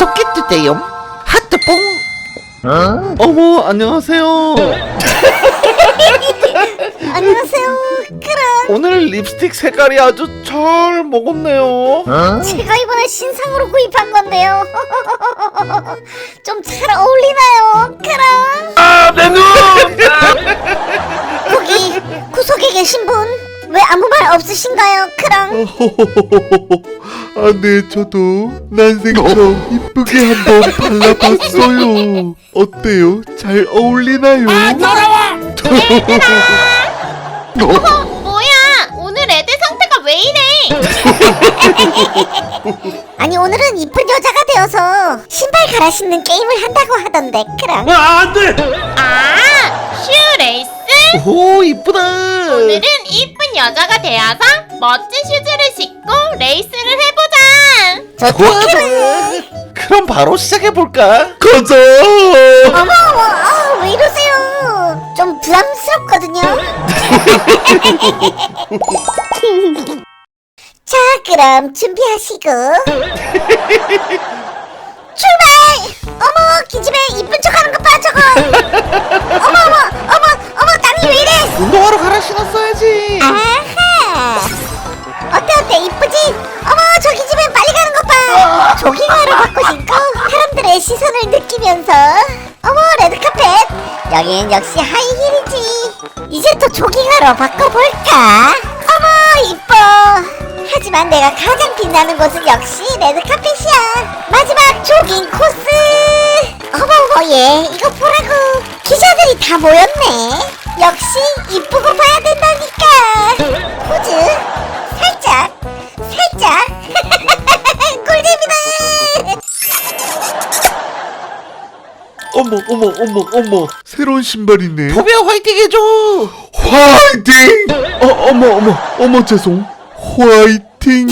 구독해주세요. 하트뽕. 어머, 안녕하세요. 안녕하세요. 그럼 오늘 립스틱 색깔이 아주 잘 먹었네요. 제가 이번에 신상으로 구입한 건데요. 좀 잘 어울리나요? 그럼 내 눈! 거기 구석에 계신 분 왜 아무 말 없으신가요? 그럼 아, 네, 저도 난생처럼 이쁘게 한번 발라봤어요. 어때요? 잘 어울리나요? 뭐야? 오늘 애들 상태가 왜 이래? 아니 오늘은 이쁜 여자가 되어서 신발 갈아 신는 게임을 한다고 하던데 그럼 아, 슈 레이스? 오, 이쁘다. 오늘은 이쁜 여자가 되어서 멋진 슈즈를 신고 레이스를 해보자. 좋아. 그럼 바로 시작해볼까? 가자! 어머 왜 이러세요? 좀 부담스럽거든요. 자 그럼 준비하시고 출발! 어머 기집애 이쁜 척하는 것 봐 저거. 어머 땀이 왜 이래? 운동화로 갈아 신었어야지. 아하 어때 이쁘지? 어머 저 기집애 빨리 가는 것 봐. 조깅화로 바꿔 신고 사람들의 시선을 느끼면서 어머 레드카펫 여긴 역시 하이힐이지. 이제 또 조깅화로 바꿔볼까? 어머 이뻐. 하지만 내가 가장 빛나는 곳은 역시 레드카펫이야. 마지막 조깅 코스. 어머 얘 이거 보라고. 기자들이 다 모였네. 역시 이쁘고 봐야 된다니까. 포즈 살짝 꿀잼이다. 어머, 새로운 신발이네. 포비아 화이팅 해줘. 화이팅! 어머, 죄송. 화이팅!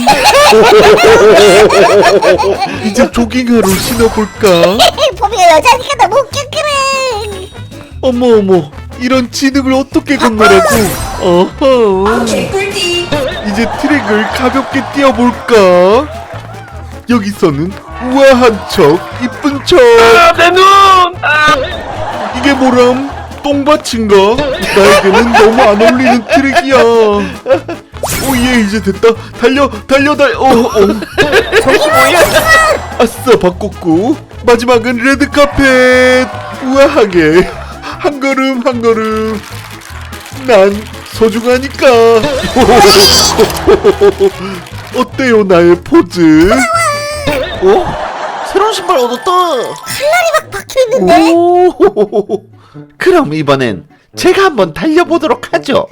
이제 조깅하러 신어볼까? 보미가 여자니까 너무 웃겨 그래. 어머, 이런 진흙을 어떻게 건너라고? 어허. 이제 트랙을 가볍게 뛰어볼까? 여기서는 우아한 척, 이쁜 척. 내 눈! 이게 뭐람? 똥밭인가? 나에게는 너무 안 어울리는 트랙이야. 오예, 이제 됐다. 달려. 저기 뭐야? 아싸, 바꿨고. 마지막은 레드카펫. 우아하게 한 걸음. 난 소중하니까. 어때요, 나의 포즈? 새로운 신발 얻었다. 칼날이 막 박혀있는데? 오. 그럼 이번엔 제가 한번 달려보도록 하죠.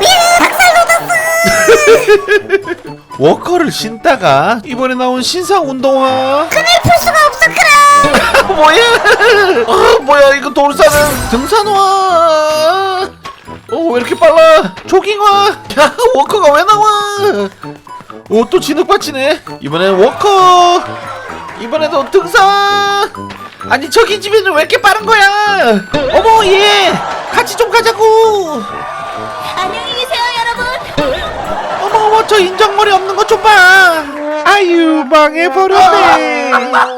워커를 신다가 이번에 나온 신상 운동화. 그늘 풀 수가 없어 그럼. 뭐야? 뭐야 이거 돌산은 등산화. 왜 이렇게 빨라? 조깅화. 야, 워커가 왜 나와? 또 진흙밭이네. 이번엔 워커. 이번에도 등산. 아니 저기 집에는 왜 이렇게 빠른 거야? 어머 얘 같이 좀 가자고. 안녕히 계세요, 여러분. 어머 저 인정머리 없는 거 좀 봐. 아유 망해버렸네.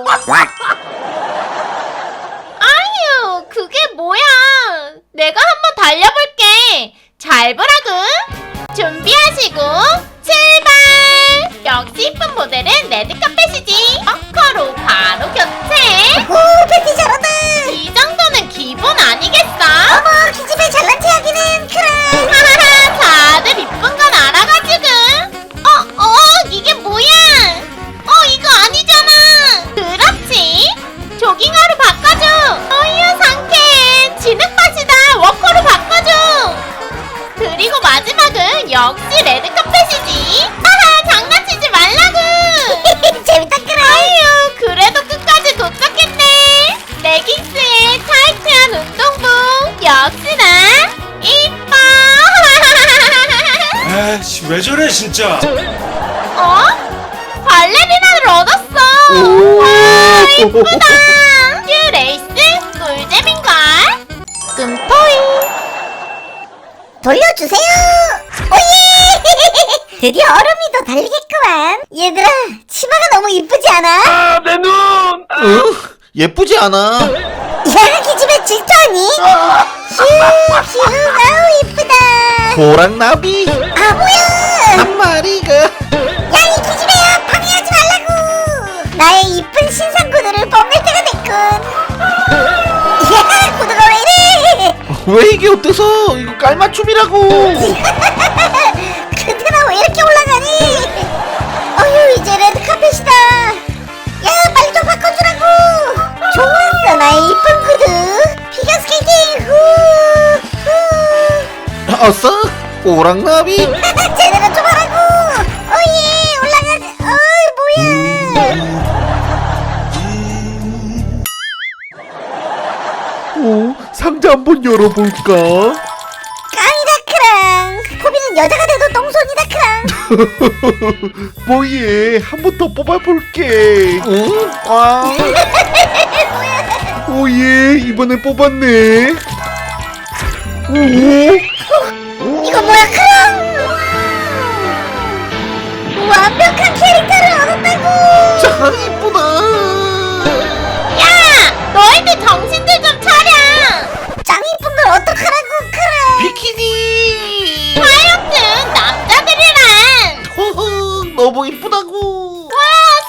아유, 그게 뭐야? 내가 한번 달려볼게. 잘 보라고. 준비하시고 출발. 역시 이쁜 모델은 레드카펫이지. 워커로 바로 교체. 오 팬티 잘한다. 이 정도는 기본 아니겠어? 어머 기집애 잘난 체 하기는 그럼. 하하하, 다들 이쁜 건 알아가지고. 이게 뭐야? 이거 아니잖아. 그렇지. 조깅화로 바꿔줘. 어휴 상쾌해. 진흙밭이다. 워커로 바꿔줘. 그리고 마지막은 역시 레드카펫이지. 하하, 장난치지 말라고. 재밌다 그래. 아유, 그래도 끝까지 도착했네. 레깅스에 타이트한 운동복. 역시나 이뻐. 에이씨, 왜 저래 진짜. 발레리나를 얻었어. 와, 이쁘다. 슈 레이스 꿀잼인걸. 끔토이. 돌려주세요. 오예. 드디어 얼음이 더 달리겠구만. 얘들아 치마가 너무 이쁘지 않아? 내 눈. 응? 예쁘지 않아. 야 기집애 질투하니? 휴 아우 이쁘다. 호랑나비 아 뭐야? 한 마리가. 야 이 기집애야 방해하지 말라고. 나의 이쁜 신상 구두를 뽐낼 때가 됐군. 야 구두가 왜 이래? 왜 이게 어때서? 이거 깔맞춤이라고. 근데 나 왜 이렇게 올라가니? 어휴 이제 레드카펫이다. 야 빨리 좀 바꿔주라고. 좋았어 나의 이쁜 구두. 피겨스케이팅 후. 어서 호랑나비. 제대로 좀 하라고. 오예 올라가자. 뭐야? 오, 상자 한번 열어볼까? 깡이다 크랑. 포비는 여자가 돼도 똥손이다 크랑. 뭐예, 한 번 더 뽑아볼게. 응? 꽝. 오예, 이번에 뽑았네. 오, 이거 뭐야 크랑? 완벽한 캐릭터를 얻었다고. 참 이쁘다. 야, 너희들 정신들 좀 차려. 짱 이쁜 걸 어떡하라고 크랑. 비키니. 하여튼 남자들이란. 허허, 너무 이쁘다고. 와,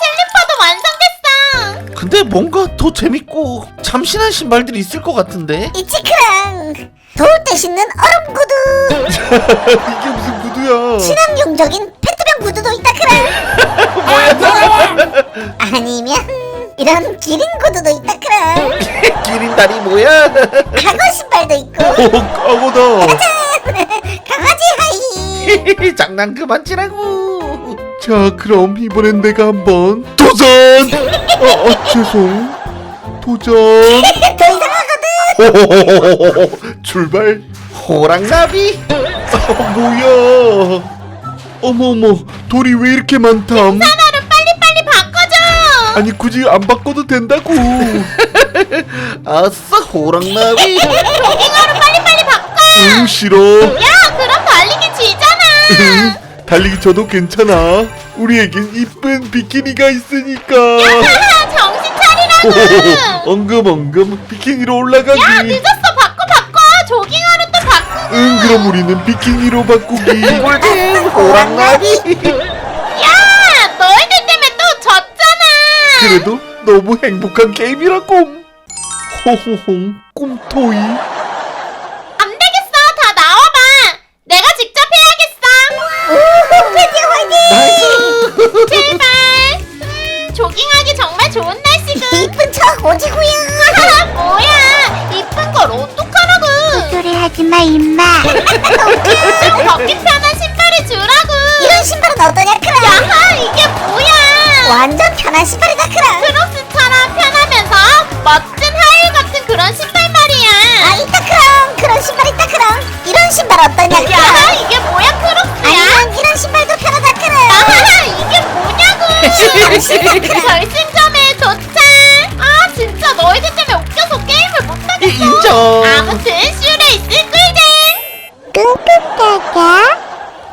슬리퍼도 완성됐어. 근데 뭔가 더 재밌고 참신한 신발들이 있을 것 같은데. 있지 크랑. 더울 때 신는 얼음 구두. 이게 무슨 구두야? 친환경적인 페트병 구두도 있다 크랑. 아니면 이런 기린 구두도 있다 크랑. 기린다리 뭐야? 과거 신발도 있고. 까고다. 강아지 하이. 장난 그만 치라고. 자, 그럼 이번엔 내가 한번 도전. 죄송. 도전. 더 이상하거든. 출발. 호랑나비. 뭐야? 어머어머, 돌이 왜 이렇게 많담? 하나를 빨리빨리 바꿔줘. 아니 굳이 안 바꿔도 된다고. 아싸 호랑나비. 조깅하러 빨리빨리 바꿔. 응, 싫어. 야, 그럼 달리기 지잖아. 달리기 저도 괜찮아. 우리에겐 이쁜 비키니가 있으니까. 하하, 정신 차리라고. 엉금엉금 비키니로 올라가기. 야, 늦었어. 바꿔. 조깅하러 또 바꾸고. 응, 그럼 우리는 비키니로 바꾸기. 꿀잼 호랑나비. 야, 너희들 때문에 또 졌잖아. 그래도 너무 행복한 게임이라고. 호호홍 꿈토이. 안 되겠어. 다 나와봐. 내가 직접 해야겠어. 오, 드디어 화이팅. 제발. 조깅하기 정말 좋은 날씨군. 이쁜 척 오지구야. 하하, 뭐야. 이쁜 걸 어떡하라고. 소리 하지 마 임마. 좀 걷기 편한 신발을 주라고. 이런 신발은 어떠냐 크랑. 야하, 이게 뭐야. 완전 편한 신발이다 크랑. 크록스처럼 편하면서 멋진 하일 같은 그런 신발 말이야. 아 있다 크랑. 그런 신발 있다 크랑. 이런 신발 어떠냐 크랑. 야하, 이게 뭐야, 크록스야. 아니면 이런 신발도 편하다 크랑. 야하, 이게 뭐냐고. 크랑. 결승점에 도착. 아, 진짜 너희들 때문에 웃겨서 게임을 못하겠어. 인정. 아무튼 슈레이스 꿀잼. 끙끙까까.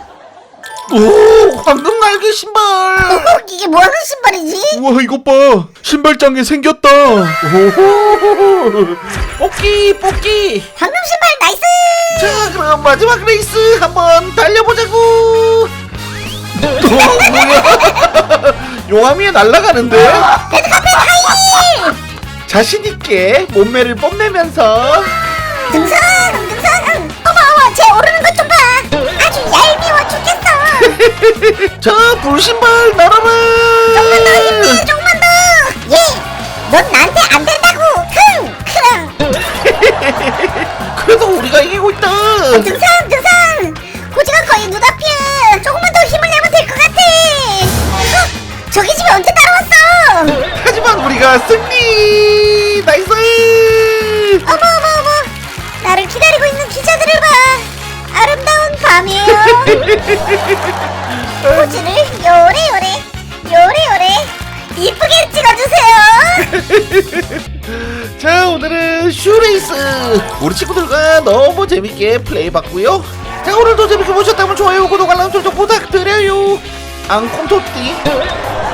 오 황금 날개 신발. 이게 뭐하는 신발이지? 우와, 이것 봐. 신발장에 생겼다. 오호. 뽑기. 방금 신발 나이스. 자 그럼 마지막 레이스 한번 달려보자고. 뭐야? 용암이에 날아가는데? 레드카펫 하이. 자신 있게 몸매를 뽐내면서 등산. 어머 쟤 오르는 것 좀 봐. 아주 얄미워 죽겠어. 자 불신발 날아라. 조금만 더 힘내. 조금만 더. 넌 나한테 안 된다고. 크랑. 그래도 우리가 이기고 있다. 등산. 고지가 거의 눈앞이야. 조금만 더 힘을 내면 될 것 같아. 저기 집에 언제 따라왔어? 하지만 우리가 승리. 나이스. 어머. 나를 기다리고 있는 기자들을 봐. 아름다운 밤이에요. 포즈를 요래 이쁘게 찍어주세요. 자 오늘은 슈레이스 우리 친구들과 너무 재밌게 플레이해봤고요. 자 오늘도 재밌게 보셨다면 좋아요 구독 알람 설정 부탁드려요. 앙콩토띠